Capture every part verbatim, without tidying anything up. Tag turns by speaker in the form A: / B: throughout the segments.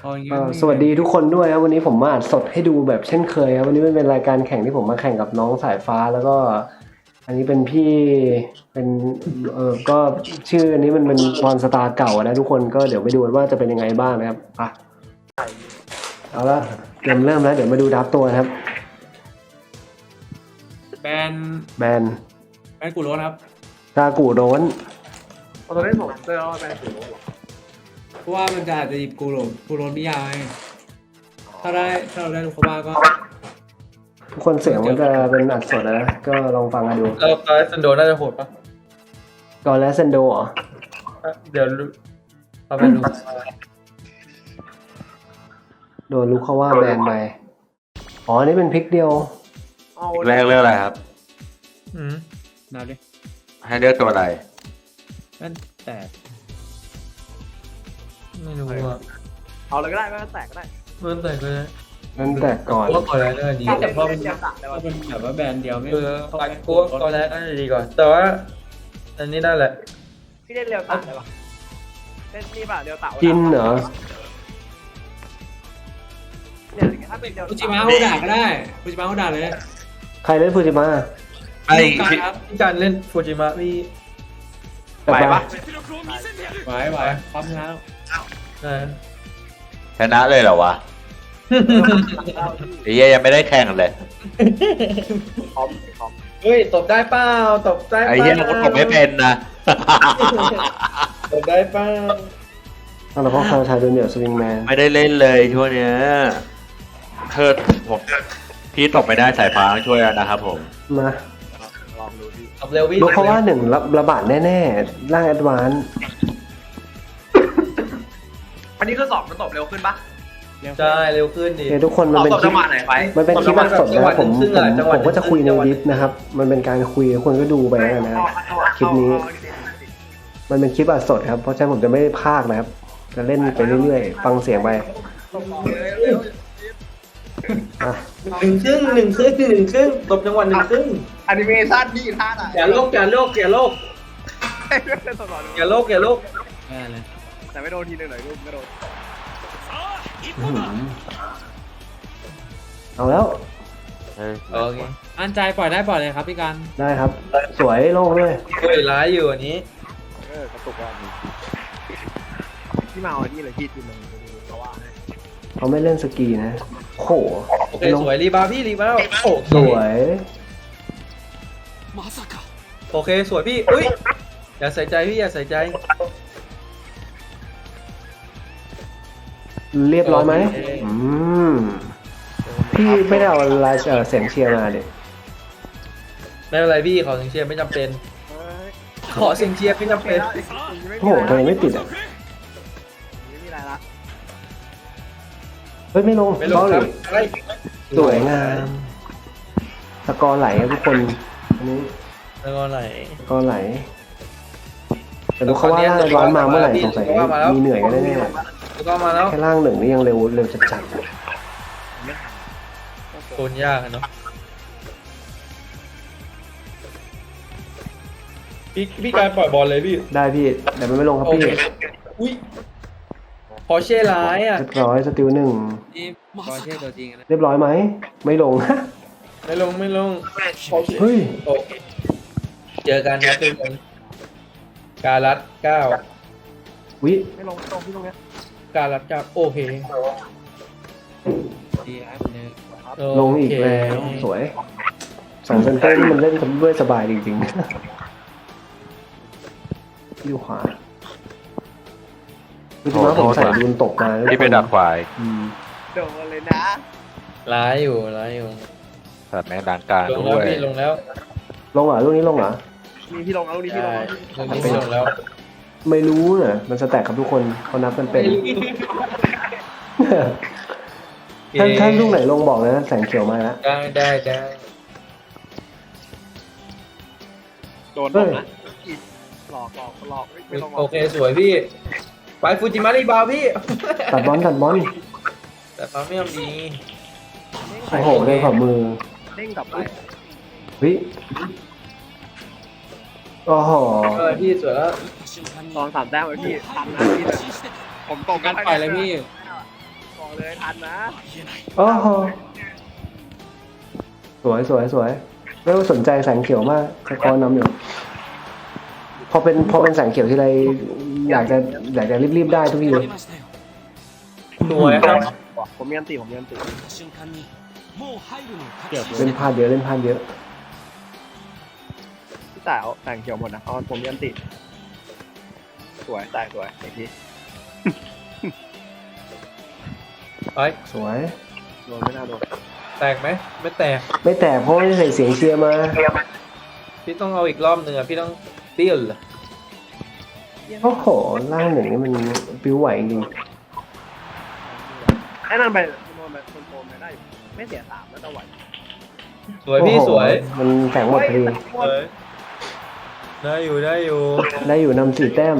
A: อย่างงี้
B: เอ่อ
A: ไม่
B: สวัสดีทุกคนด้วยครับวันนี้ผมมาอัดสดให้ดูแบบเช่นเคยครับวันนี้มันเป็นรายการแข่งที่ผมมาแข่งกับน้องสายฟ้าแล้วก็ อันนี้เป็นพี่เป็นเออก็ชื่ออันนี้มันเป็นพรสตาร์เก่านะทุกคนก็เดี๋ยวไปดูกันว่าจะเป็นยังไงบ้างนะครับอ่ะเอาละเกมเริ่มแล้วเดี๋ยวมาดูดับตัวนะครับ
A: แบน
B: แบน
A: แบนกูโรสครับ
B: กากูโดน
C: ตอนนี้ผมเจอว่าเป็นสีโรส
A: เพราะว่ามันจะอาจจะหยิบกูโรสกูโรสนิยายถ้าได้ถ้าเราได้ลูกเขาว่าก็
B: ทุกคนเสียงมันจะเป็นอัดสดนะก็ลองฟังกันดู
C: เราตอนซันโดน่าจะโหดปะ
B: กอนและเซนโดเหรอ
C: เดี๋ยวเราไปดู
B: โดนลูกเขาว่าแบนไปอ๋ออันนี่เป็นพลิกเดียว
D: แรกเลือกอะไรครับ
C: อืม
A: นับดิ
D: ให้เลือกตัวอะไร
A: แบนแตก
C: ไม่รู้อ่ะ
E: เอาเลยก็ได้ไม่ต้องแตกก็ได้
C: เมื่อแต่ก็ได้
B: นั่นแต่ก่อน
C: ว่าก่อนแล้วน่าจะดี
A: แต่พอมัน
E: เตรียมตัดเลย
A: ถ้า
E: ว่า
A: เป็นแบบว่าแบนเดียวไม่
C: เออก่อนกูก่อนแล้วน่าจะดีก่อน แต่ว่าอันนี้ได้แหละ
E: พี่เล่นเรียวตัดเลยปะเล่นนี่ป่ะเรียวตัด
B: กินเหรอ
E: เนี่ยถ้าเป็นเรียว
A: ฟูจิมะเขาด่าก็ได้ฟูจิมะเขาด่าเลย
B: ใครเล่นฟูจิมะ
D: ไอ้
A: การ
D: พี่
A: ครับ
C: ที่การเล่นฟูจิมะพี่
D: ไหวปะ
A: ไหวไหวพร้อมแล้ว
C: นะ
D: ชนะเลยเหรอวะไอ้เหี้ยยังไม่ได้แข่งเลย
E: คอมคอม
C: เฮ้ยตบได้เปล่าตบได้เป
D: ไอ้
C: ล่า
D: เหี้ยกูตกไม่เป็นนะ
C: ตบได้เปล่า
B: เอาละพ่อคาวชายโดนเหนียวสวิงแมน
D: ไม่ได้เล่นเลยช่วงเนี้ยเธอผมพี่ตกไม่ได้สายฟ้าต้องช่วยกันนะครับผม
B: มา
E: ลองดูพี่
C: ตบเร็วพี่
B: ลูกเขาว่าหนึ่งระระบาดแน่ๆ ร่างแอดวานซ์
E: อันนี้คือสอบมันตบเร็วขึ้นปะ
C: ใช่เร็วขึ้นดิ
B: เฮ้ยทุกคนมันเป็น
E: ตบ
B: คลิ
E: จั
B: ป
E: งหวะไหนไป
B: มันเป็นคลิปอัดสดนะผม
C: จังห
B: ผ
C: วะ
B: ม
C: จังหวะ
B: ผมก็จะคุยใน
C: จังหวะ
B: ดิสนะครับ มันเป็นการคุยคนก็ดูไปแล้วนะครับ คลิปนี้ มันเป็นคลิปอัดสดครับ เพราะฉะนั้นผมจะไม่ได้พากย์นะครับ จะเล่นไปเรื่อยๆ ฟังเสียงไปอ่ะ
C: หนึ่งครึ่งหนึ่งครึ่งหนึ่งครึ่งตบจังหวะหนึ่งครึ่ง
E: แอนิเมชันนี่ท่าไหน
C: อย่าโลกอย่าโลกอย่าโลก
E: ตลอด
C: อย่าโลกอย่าโลก
A: แบนเลย
E: แต่ไม่โดนทีนึงหน่อยลูกไม่โดน
B: อื้อหือเอาแล้ว
C: โอเค
A: อันใจปล่อยได้ปล่อยเลยครับพี่การ
B: ได้ครับ สวยโล่งด้วย
C: เฮ้ยร้ายอยู่อันนี้
E: เออกระตุกว่าพี่มาเอาอันนี้เลยพี่ทีนึงเพราะว่า
B: เขาไม่เล่นสกีนะโห
C: โอเคสวยรีบาวพี่รีบาวโอเค
B: สวย
C: โอเคสวยพี่อุ้ยอย่าใส่ใจพี่อย่าใส่ใจ
B: เรียบร้อยไหม
C: โอเค
B: อืมพี่ไม่ได้เอาลายเอ่อเสียงเชียร์มาดิ
C: ไม่เป็นไรพี่ขอเสียงเชียร์ไม่จำเป็น ขอเสียงเชียร์ไม่จำเป็น
B: โอ้โหทำไมไม่ติดอ่ะ
E: ไม่มีอะไรละ
B: เฮ้ยไม่ลง
C: ไม่ลง
B: เบา
C: ค
B: เล
C: รับ
B: ย
C: อะไร
B: สวยงามสกอร์ไหลครับทุกคนอันนี้
C: แล้วก็ไหน
B: สกอร์ไหลแต่รู้เขาว่าร่างร้อนมาเมื่อไหร่สงสัยมีเหนื่อยกันแน่
C: แล้วก็มาแล้ว
B: ๆแค่ร่างหนึ่งนี่ยังเร็วเร็วจัด
C: โซนยากอะเนาะพี่พี่การปล่อยบอลเลยพี่
B: ๆได้พี่แต่มันไม่ลงครับ
C: โอ
B: พี่
C: เคอุ้ยพอเช่ร้ายอ่ะ
B: เรียบร้อยสติลหนึ่ง
A: นี่บอลเช่ตัวจริงนะ
B: เรียบร้อยไหมไม่ลง
C: ไม่ลงไม่ลง
B: เฮ้ย
C: โอเคเจอกันครับทุกคนการัดเก้า
B: วิ
E: ไม่ลงตรงที่ตรงเนี้ย
C: การรัดเก้าโอเค
A: ดีครับหนึ่ง
B: ลงอีกแล้วสวยสองเซนเตอร์นี่มันเล่นกันด้วยสบายจริงๆอยู่ขวาคือที่ว่าผมใส่ดูนตกมาแล้ว
D: ที่ไปดักควาย
B: อืม
E: โดนเลยนะ
C: ร้ายอยู่ร้ายอยู่
D: สัตว์แม่งดังกลาง
C: ลง
D: ด้
C: แล้ว
D: วย
C: พี่ลงแล้ว
B: ลงเหรอลูกนี้ลงเหรอ
E: มีพี่ลงแล้วนี่พี่ลง
C: ใช่
E: แล้ว
C: ลงนี้ลงแล้ว
B: ไม่รู้เน่ะมันสแต็กครับทุกคนเขานับกันเป็น ถ้าถ้าลูกไหนลงบอกเลยนะแสงเขียวมาแล้ว
C: ได้ได้ได้
E: โดน
B: เฮ้ย
E: หลอกหลอกหลอกไม่ลง
C: โอเคสวยพี่ไปฟูจิมารีบาวพี่
B: ตัดบอลตัดบอล
C: แต่ปั๊มไม่ยอมดี
B: โอ้โหเลยขอบมือ
E: เด้งกลับไป
B: วิโอ้โห
C: เออพี่สวยแล้ว
E: ตอนสามแต้มไว้พี่ทันนะพี่ผมตก
A: การปล่อยเลยพี่
E: บอกเลยทันนะ
B: โอ้โหสวยสวยสวยไม่ต้องสนใจแสงเขียวมากสกอร์นำอยู่ พอเป็นพอเป็นแสงเขียวที่ไรอยากจะอยากจะรีบๆได้ทุกทีเลย
C: สวยครับ
E: ผมมีอันตีผมมีอันตี
F: เกี่ยว
B: เล่นพลาดเยอะเล่นพลาดเยอะ
E: พี่ต่ายเอาแต่งเขียวหมดนะเอาผมมีอันตีสวยต่ายสวยอีกที
C: ไป
B: สวย
E: โดนไม่น่าโดน
C: แตกไหมไม่แตก
B: ไม่แตกเพราะไม่ได้ใส่เสียงเชียร์มา
C: พี่ต้องเอาอีกรอบหนึ่งอ่ะพี่ต้องเตี้ยเหรอ
B: โอ้โหล่างหนึ่งนี่มันปิ้วไหวจริง
E: ไอ้นั่นไปโดนไปคนโดนไปได้อยู่ไม่เสียสามแล้วจะไหว
C: สวยพี่
B: โอ้โห
C: สวย
B: มันแสงหมดพอดี
C: สวยได้อยู่ได้อยู่
B: ได้อยู่นำสี่แต้ม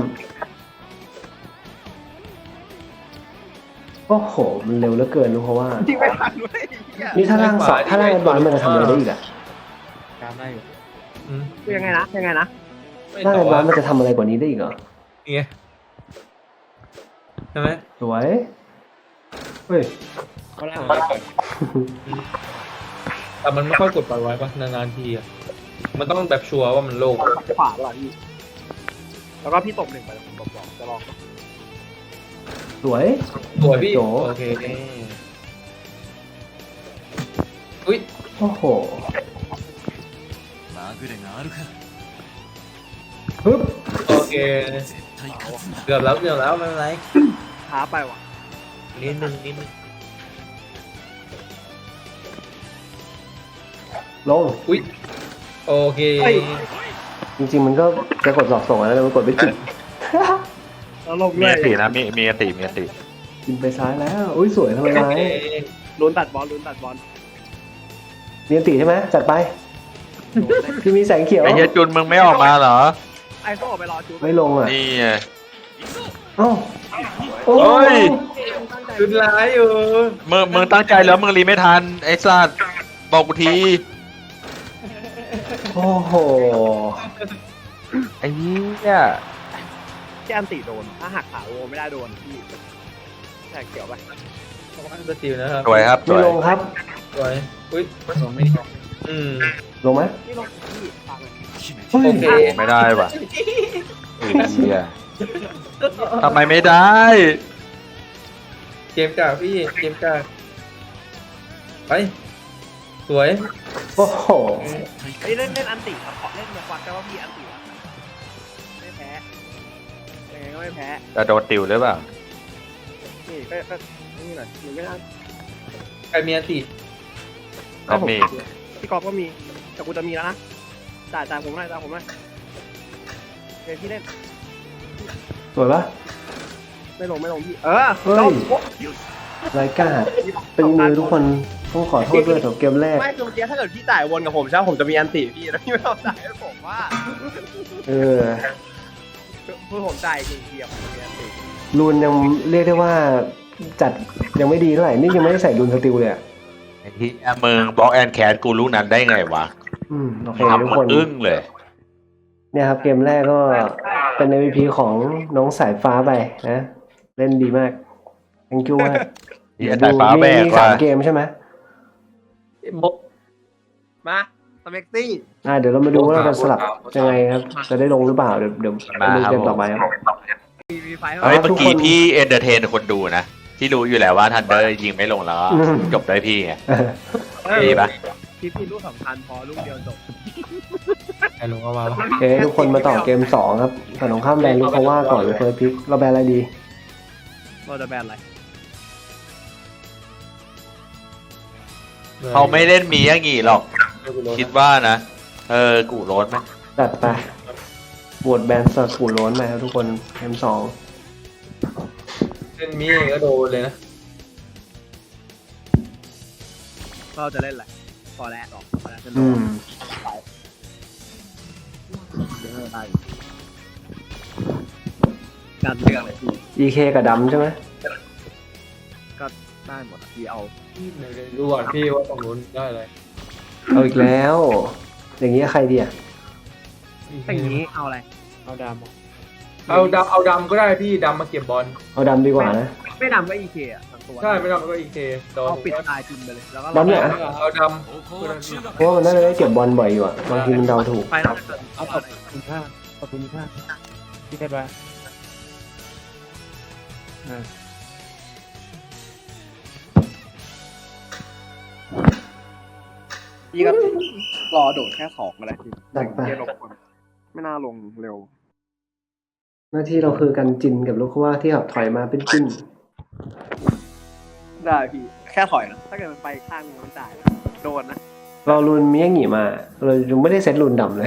B: โอ้โหมันเร็วเหลือเกินรู้เพราะว่า
E: จริงไม่ทันเว้ยเหี้ย
B: นี่ถ้าล่างสองถ้าล่างแอดวานซ์มันจะทำอะไรได้อีกอะ
A: ตามได้อยู่
C: อืม
E: คือยังไงนะยังไงนะ
C: ไม่
B: ล่าง
C: ต่
B: แอ
C: อ
B: ดวานซ์มันจะทำอะไรกว่านี้ได้อีกเหรอ
C: นี่ไงใช่ไหม
B: สวยเฮ้ย
A: เขาล่างไปก่อน
C: แต่มันไม่ค่อยกดปล่อยไว้ปะนานๆทีอ่ะมันต้องแบบชัวร์ว่ามันโล่ง
E: ขวาเปล่าพี่แล้วก็พี่ตบหนึ่งไปแล้วผมตบสองจะลอง
B: สวย
C: สวยพี่
B: โจ
C: โอเคอุ้ย
B: โอ้โหฮึบ
C: โอเคเกือบแล้วเกือบแล้วไม่เป็นไร
E: ช้าไปว่ะ
C: นิดนึงนิดนึง
B: ลง
C: อุ้ยโอเค
B: จริงๆมันก็จะกดสอบส่งแล้วแต่มันกดไม่ติด
E: แล้วลง
D: มี
E: ด้วย
D: อตินะมีมีอติมีอติ
B: กินไปซ้ายแล้ว อุ้ยสวยทำไม
C: โอ
B: ไม้
C: เค
E: ลุ้นตัดบอลลุ้นตัดบอล
B: เรียนตีใช่ไหมจัดไป พี่มีแสงเขียว
D: ไอ้เฮียจุนมึงไม่ออกมาเหรอ
E: ไอ้โซ่ไปรอจูบ
B: ไม่ลงอ่ะ
D: นี่ไง
B: เอ้าโอ้
D: เฮ้ย
C: ชุดร้ายอยู่
D: มึงมึงตั้งใจแล้วมึงรีไม่ทันไอ้สัตว์บอกกูที
B: โอ้โห
D: ไอ้เหี้ย
E: ที่อันติโดนถ้าหักขาโอไม่ได้โดนพี่แท็กเขียวไป
C: สติลนะครับ
D: สวยครับส
B: ไม่
D: วย
B: ลงครับ
C: สวยอุ้ย
A: ลงไม่ดี
C: อืม
B: ลงไหม
E: นี่ลงพี่ฟังเลย
B: เฮ้ย
C: โอเค
D: โอ้ไม่ได้ว่ะไอ้เหี้ยทำไมไม่ได้
C: เกมกากพี่เกมกากไปสวย
B: โอ้โห
E: เฮ้ยเล่นเล่นอันติครับขอเล่นมาควักกันว่าพี่อันติวะไม่แพ้ยังไงก็ไม่แพ้
D: แต่โดนติวหรือเปล่า
E: นี่ก็ก็นี่หน่อยหรือไม่ได้
C: ใครมีอันติ
D: ก็มี
E: พี่กอฟก็มีแต่กูจะมีแล้วนะจ่ายจ่ายผมหน่อยจ่ายผมหน่อยเดี๋ยวพี่เล่น
B: สวยปะ
E: ไม่ลงไม่ลงพี่เออ
B: เฮ้ย
E: ลง
B: รายการตึงมือทุกคนต้องขอโทษด้วยกับเกมแรก
E: ไม่คือเมื่อกี้ถ้าเกิดพี่จ่ายวนกับผมใช่ไหมผมจะมีอันติพี่แล้วพี่ไม่ต้องจ่ายให้ผมว่า
B: เออ
E: คือผมจ่ายจริงเดียวผมมีอันติ
B: รูนยังเรียกได้ว่าจัดยังไม่ดีเท่าไหร่ นี่ยังไม่ได้ใส่รูนสติลเลยอะ
D: ไอ้ที่มึงบล็อกแอนแคสกูรู้นั้นได้ไงวะ
B: อืมโอเคทุก
D: ทำ
B: ค
D: มัน
B: น
D: อึ้งเลย
B: เนี่ยครับเกมแรกก็เป็น เอ็ม วี พี ของน้องสายฟ้าไปนะ เล่นดีมาก thank you มาก
D: ที่สายฟ้าแบก
B: มี
D: ว่า
B: สามเกมใช่ไหม
E: มาสเม็กซี่
B: อ่าเดี๋ยวเรามาดูว่าเราจะสลับยังไงครับ จะได้ลงหรือเปล่า เดี๋ยวเดี๋ยวไปดูเกมต่อไปครับ
E: มีมีไฟ
D: เฮ้ย
B: ทุ
D: เมื่
B: ก
D: อ
B: คน
D: กี้พี่เอนเตอร์เทนคนดูนะ ที่รู้อยู่แล้วว่าทันเดอร์ยิงไม่ลงแล้ว
B: อืม
D: จบได้พี่ไง
B: เออ
D: ดีปะ
E: พี่พี่ลูกสำคัญพอลูกเดียวจบ
A: ใครลงเอามาปะ
B: โอเคทุกคนมาต่อเกมสองครับฝั่งของข้ามแบนลูกเขาว่าก่อนเลยเฟิร์สพิกเราแบนอะไรดี
E: เราจะแบนอะไร
D: เขาไม่เล่นมีอย่างงี้หรอก คิดว่านะ เออ กูโรนไหม
B: จัดไปบวชแบนสกูโล้นไปครับทุกคนเกมสอง
C: เล่นมีก็โดนเลยนะ
E: เราจะเล่นอะไรพอแล้วหรอกพอแล้วจะโด
B: อื
E: น
B: ม
E: ได้การเลือกเลยพี่
B: อี เค กับดำใช่ไหม
E: ก็ได้หมดอะพี่เอา
C: เดี๋ยวดูก่อนพี่ว่าตรงนู้นได้เลย
B: เอาอีกแล้ว อย่างนี้ใครดีอ่ะ
E: แต่อย่างนี้เอาอะไร
A: เอาดำอะ
C: เอาดำเอาดำก็ได้พี่ดำมาเก็บบอล
B: เอาดำดีกว่านะ
E: ไม่ดำก็อีเคอ่ะทั้งตัว
C: ใช่ไม่ดำก็อีเคโดน
E: เอาปิดตายจินไปเลยแล้วก็
B: ดำเนี่ย
C: เอาด
B: เพราะว่ามันน่าจะได้เก็บบอลบ่อยอยู่อะบางทีมันเดาถูก
E: ไฟนอลเกิด
A: เอาตบคุณค่าตบคุณค่าพี่เทพไปอ่า
E: พี่ก็รอโดดแค่สองอะไรพี่
B: จัดไป
E: เกมลงคนไม่น่าลงเร็ว
B: หน้าที่เราคือการจินกับลูกว่าที่ขับถอยมาเป็นจิ้น
E: ได้พี่แค่ถอยนะถ้าเกิดมันไปข้างมันจ่ายนะโดนนะ
B: เราลุนเมียหงีมา เรายังไม่ได้เซ็ตลุนดำเลย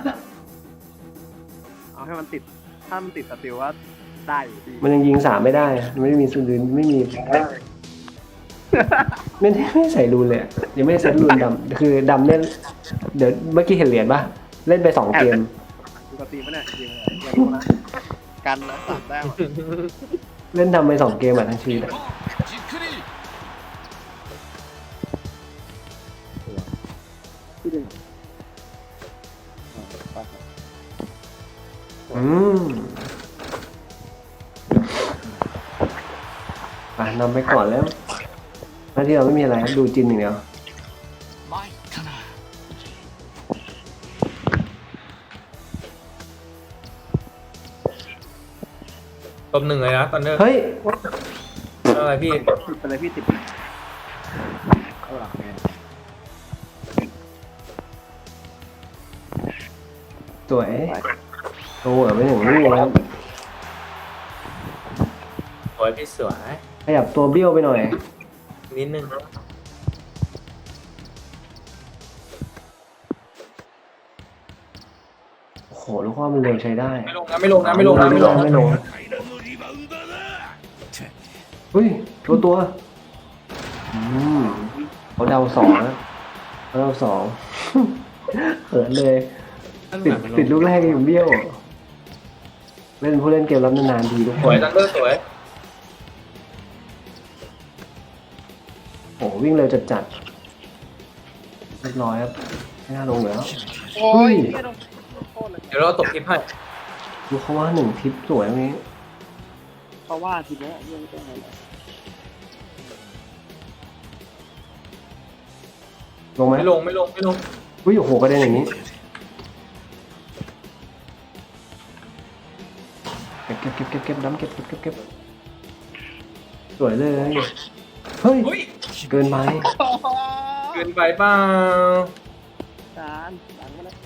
E: เอาให้มันติดถ้ามันติดสติลว่าได้อยู่พี่
B: มันยังยิงสามไม่ได้อะไม่มีสุลุนไม่มี ไม่ได้ไม่ใส่รูนเลยอะยังไม่ได้เซ็ตรูนดำคือดำเนี่ยเดี๋ยวเมื่อกี้เห็นเหรียญปะเล่นไปสองเกม
E: ปกติมันเนี่ยจริงเลยอย่าดูนะกันนะสามแต้มอะ
B: เล่นดำไปสองเกมอ่ะทั้งชีวิตอะอืมอ่ะนำไปก่อนแล้วหน้าที่เราไม่มีอะไรครับดูจินอย่างเดียว
C: ำตบหนึ่งเลยนะตอนนี้
B: เฮ้ย
C: อะไรพี่
E: ติดไปเลยพี่ติดเอาหลังไง
B: สวยโอ้โหไม่ถึงลูกแล้ว
C: สวยพี่สวย
B: ขยับตัวเบี้ยวไปหน่อย
C: นิดนึง
B: โอ้โหลูกว่ามันเร็วใช้ได้
C: ไม่ลงนะไม่ลงนะไม่ลงนะไม่ลงนะ
B: ไม่ลงเฮ้ยตัวตัวอืมเขาเดาสองนะเขาเดาสอง เขินเลย ติดติดลูกแรกอยู่เบี้ยว เล่นผู้เล่นเกมรับนานๆทีทุก
C: ส
B: ค
C: วย
B: น
C: ตันเดอร์สวย
B: โอ้โหวิ่งเร็วจัดจัดๆเรียบร้อยครับไม่น่าลงแล้ว
E: โอ้ยไม่โดนโทษเลย
C: เดี๋ยวเราตบคลิปให้
B: ดูเขาว่าหนึ่งทิปสวยตรงนี้
E: เพราะว่าทีนี้เรื่องเป็นไงล่ะ
B: ลงไหม
C: ไม่ลงไม่ลงไม่ลง
B: อุ้ยโอ้โหกระเด็นอย่างนี้เก็บเก็บเก็บเก็บเก็บน้ำเก็บเก็บเก็บเก็บสวยเลยเฮ้ย
C: อุ้ย
B: เกินไป
C: เกินไปเปล่า
E: จานหลังมาเลย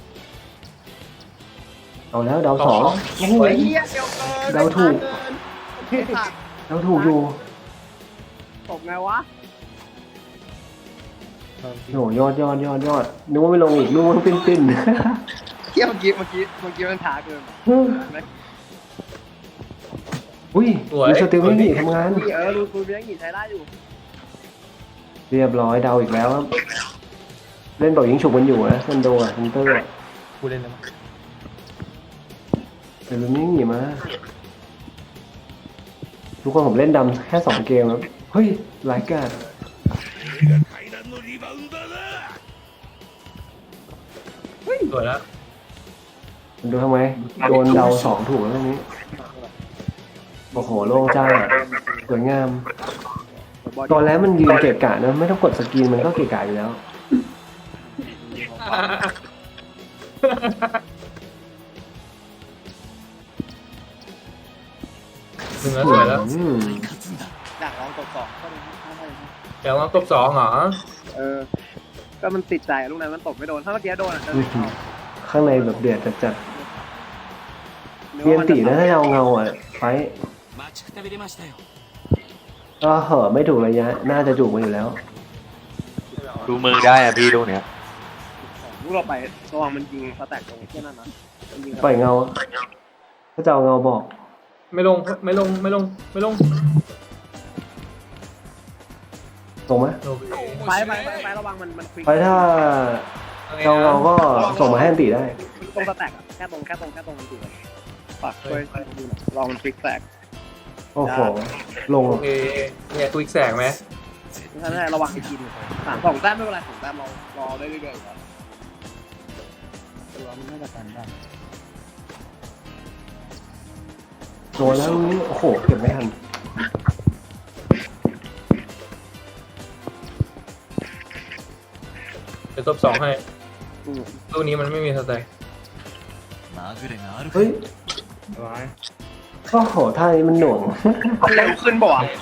B: เอาแล้วเดาวสองโอ้โห
E: เฮียเดียวเกิน
B: เดาถูก
E: เฮ้ยขาด
B: เดาถูกอยู่
E: ตกไงวะ
B: โอ้โหยอดยอดยอดยอดนึกว่าไม่ลงอีกนึกว่าปิ้นปิ้น
E: เฮียเมื่อกี้เมื่อกี้เมื่อกี้มันช้าเกิน
B: อุ้ยดูสติลไม่หนีทำงาน
E: เออรูรูเลี้ยงหนีใช้ได้อยู่
B: เรียบร้อยเดาอีกแล้วครับเล่นเป่ายิงฉุกมันอยู่นะเซนโดอ่ะเซนเตอร์อะ
C: กูเล่นแล้ว
B: แต่ลุงนี่หนีมาทุกคนผมเล่นดำแค่สองเกมครับเฮ้ยรายการ
C: สวยแล้ว
B: ดูทำไมโดนเดาสองถูกแล้วตรงนี้โอ้โหโล่งจ้าสวยงามตอนแล้วมันยืนเกะกะนะไม่ต้องกดสกรีนมันก็เกะกะอยู่แล้ว
C: หนึ่งแล้วสวยแล้ว
B: อืม
E: อยากลองตกสองก็เลยไม่ให้
C: เดี๋ยวลองตบสองเหรอ
E: เออ ก็มันติดใจลูกนั้นมันตกไม่โดน ถ้าเมื่อกี้โดนอ่ะจะ
B: อื้อหือข้างในแบบเดือดจัดๆเรียนตีนะถ้าเอาเงาอ่ะไฟก็เหอะไม่ถูกระยะน่าจะจูบมาอยู่แล้ว
D: ดูมือได้อะพี่ลูกเนี้ย
E: ลูกเราไประวังมันยิงสแต็กตรงแค่นั้นนะมันยิง
B: ปล่อยเงาถ้าจะเอาเงาบอก
C: ไม่ลงไม่ลงไม่ลงไม่ลง
B: ตรงไหม
C: โอเค
E: ไฟไฟไฟไฟระวังมันมันควิก
B: ไฟถ้าเอาเงาก็ส่งมาให้อันตีได้
E: ตรงสแต็กอะแค่ตรงแค่ตรงแค่ตรงมันติดเลยฝากช่วยดูหน่อยลองมันควิกแตก
B: โอ้โหลง
C: โอเคเนี่ยควิกแสกไหม
E: ถ้าได้ระวังไอ้กินสามสองแต้มไม่เป็นไรสองแต้มเรารอได้เรื่อยๆครับตัวมันน่าจะกันได้
B: โดนแล้วนี้โอ้โหเก็บไม่ทัน
C: ดี๋ยวตบสองให้
E: อืม
C: ตู้นี้มันไม่มีสแต็ก
B: เฮ้ย
A: ไว้
B: โอ้โหท่านี้มันหน่วง
E: มันเร็วขึ้นบ่ะ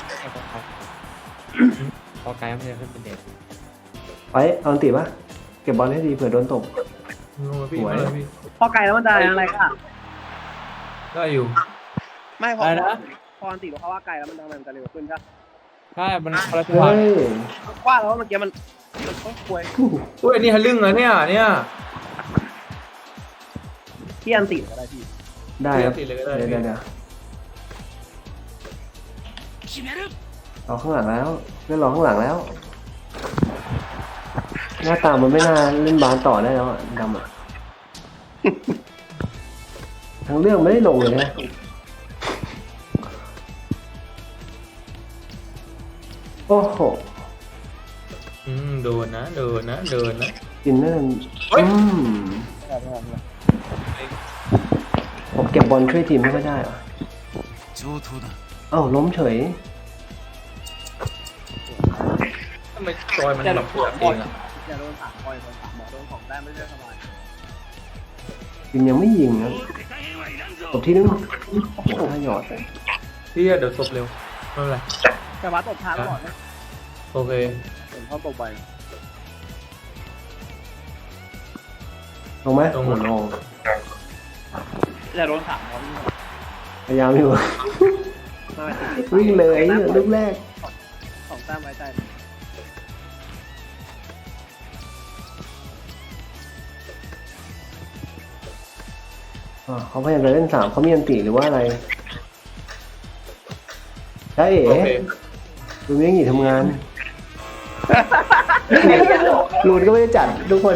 A: พอไกลมันจะขึ้นเป็นเด็ก
B: ไปเอาอันติปะเก็บบอลให้ดีเผื่อโดนตบ
C: ลงมาพี่
B: สวย
C: มาเลยพี่
E: พอไกลแล้วมันจะอะไรก็
C: ได้อยู่
E: ไม่พอ
A: อะไรนะ
E: พออันติเราเขาว่าไกลแล้วมันทำไมมันจะเร็วขึ้นใช่
A: ใช่มันคนละจังหวะ
B: เฮ้ย
E: ว่าแล้วเมื่อกี้มันมันก็ควย
C: อุ้ยอันนี้ฮันลึ่งเหรอเนี่ยเนี่ย
E: ที่อันติก็ได้พี่
B: ได้ครับ
C: ติดเลยก็ได้
B: เดี๋ยว
C: พี่
B: เดี๋ยวเดี๋ยวรอข้างหลังแล้วเพื่อนรอข้างหลังแล้ว หน้าตามันไม่น่าเล่นบาสต่อได้แล้วอะดำอะ ทั้งเรื่องไม่ได้ลงเลยนะโอ้โห
C: อืมโดนนะโดนนะโดนนะ
B: กินนั่น
C: เฮ้ย
B: อืมผมเก็บบอลช่วยทีมไม่ค่อยได้เหรอเอ้าล้มเฉย
C: ทำไมจอยมันแบบปวดเองอะ
E: อย่าโดนสามคอยโดนสามหมอโดนของได้ไม่ได้สบาย
B: ทีมยังไม่ยิงครับตบที่นึงโอ้โหท่าหยอด
C: พี่เดี๋ยวตบเร็วไม่เป็นไร
E: แต่ว่าตบช้าก่อนนะ
C: โอเค
E: ผมชอบตบไป
B: ลงไหม
C: ลง
B: โอ้ลง
E: อย่าโดนสามคอย
B: พยายามอยู่ วิ่งเลยลูกแรก
E: สองแต้มไว้ใจ
B: อ่าเขาพยายามจะเล่นสามเขามีอันติหรือว่าอะไรใช่เอ๋
C: โอเค
B: ดูไม่หนีทำงานรูนก็ไม่ได้จัดทุกคน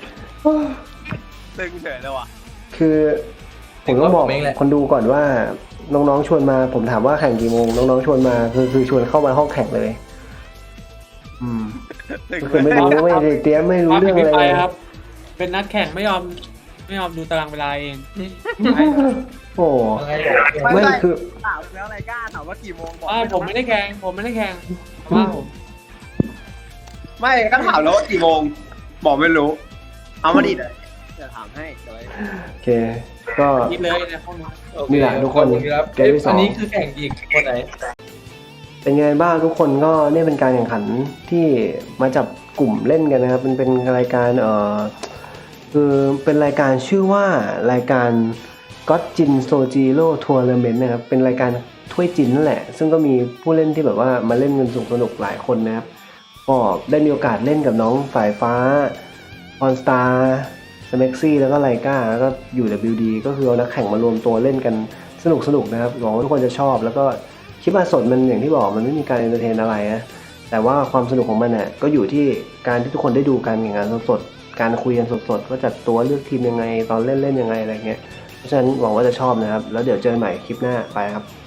E: ตึงเฉยเลยว่ะ
B: คือผมต้องบอกคนดูก่อนว่า น้องๆชวนมา ผมถามว่าแข่งกี่โมงน้องๆชวนมาคือคือชวนเข้ามาห้องแข่งเลย อืม
E: ตึง
B: ก็คือไม่รู้ไม่ได้เตรียมไม่รู้เรื่องอะไร
A: ไป
B: เลย
A: ครับ เป็นนัดแข่งไม่ยอมไม่ยอมดูตารางเวลาเอง
B: โอ้
C: ยังไงบอก
B: ไม่คือ
E: ถามแล้วอะไรกล้าถามว่ากี่โมงบอก
A: ไม่ผมไม่ได้แข่งผมไม่ได้แข่งว่าผม
E: ไม่ก็ถามแล้วว่ากี่โมงบอกไม่รู้ เอามาดิเดี๋ยวถามให้เดี๋ยวไว้
B: โอเค ก็
A: คิดเลยในห้องนี้
C: โอเค
B: นี่แหละทุกคน
C: ขอบณครับ
B: เกมที่สอง
C: อันนี้คือแข่งอีกคนไหน
B: เป็นไงบ้างทุกคนก็เนี่ยเป็นการแข่งขันที่มาจับกลุ่มเล่นกันนะครับมันเป็นรายการเอ่อคือเป็นรายการชื่อว่ารายการก็จินโซจิโร่ทัวร์นาเมนต์นะครับเป็นรายการถ้วยจินนั่นแหละ ซึ่งก็มีผู้เล่นที่แบบว่ามาเล่นกันสนุกสนุกหลายคนนะครับก็ได้มีโอกาสเล่นกับน้องสายฟ้าออนสตาร์สเม็กซี่แล้วก็ไลกาแล้วก็อยู่ ดับเบิลยู ดี ก็คือเอานักแข่งมารวมตัวเล่นกันสนุกสนุกนะครับหวังว่าทุกคนจะชอบแล้วก็คลิปมาสดมันอย่างที่บอกมันไม่มีการเอนเตอร์เทนอะไรนะแต่ว่าความสนุกของมันเนี่ยก็อยู่ที่การที่ทุกคนได้ดูการแข่งขันสดๆการคุยกันสดๆว่าจัดตัวเลือกทีมยังไงตอนเล่นเล่นยังไงอะไรเงี้ยเพราะฉะนั้นหวังว่าจะชอบนะครับแล้วเดี๋ยวเจอกันใหม่คลิปหน้าไปครับ